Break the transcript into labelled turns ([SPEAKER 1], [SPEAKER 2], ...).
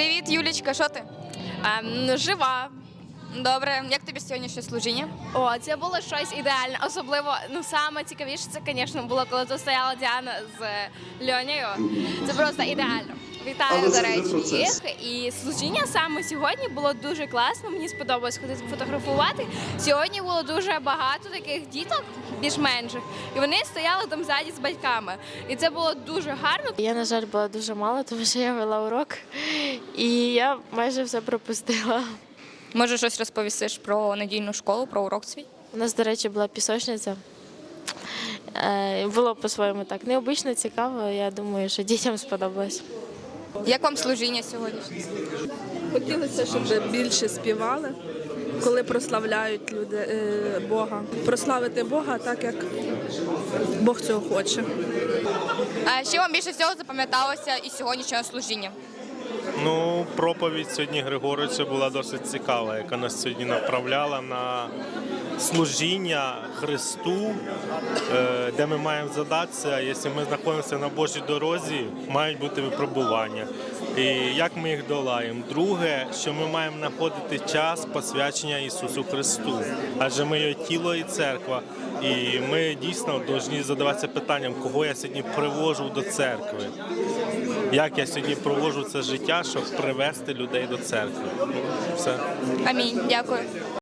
[SPEAKER 1] Привіт, Юлічка, що ти?
[SPEAKER 2] Жива.
[SPEAKER 1] Добре, як тобі сьогоднішнє служіння?
[SPEAKER 2] О, це було щось ідеальне. Особливо, саме цікавіше це, звісно, було, коли тут стояла Діана з Льонею. Це просто ідеально. Вітаю, до речі, їх. І служіння саме сьогодні було дуже класно. Мені сподобалось ходити фотографувати. Сьогодні було дуже багато таких діток, більш менших, і вони стояли там ззаді з батьками. І це було дуже гарно.
[SPEAKER 3] Я, на жаль, була дуже мало, тому що я вела урок, і я майже все пропустила.
[SPEAKER 1] Може, щось розповісиш про недільну школу, про урок свій?
[SPEAKER 3] У нас, до речі, була пісочниця. Було по-своєму так необично, цікаво. Я думаю, що дітям сподобалось.
[SPEAKER 1] Як вам служіння сьогодні?
[SPEAKER 4] Хотілося, щоб більше співали, коли прославляють люди Бога. Прославити Бога так, як Бог цього хоче.
[SPEAKER 1] А що вам більше всього запам'яталося із сьогоднішнього служіння?
[SPEAKER 5] Проповідь сьогодні Григоровича була досить цікава, яка нас сьогодні направляла на служіння Христу, де ми маємо задатися, якщо ми знаходимося на Божій дорозі, мають бути випробування. І як ми їх долаємо. Друге, що ми маємо знаходити час посвячення Ісусу Христу, адже ми його тіло і церква. І ми дійсно повинні задаватися питанням, кого я сьогодні привожу до церкви. Як я сьогодні проводжу це життя, щоб привести людей до церкви. Все.
[SPEAKER 1] Амінь. Дякую.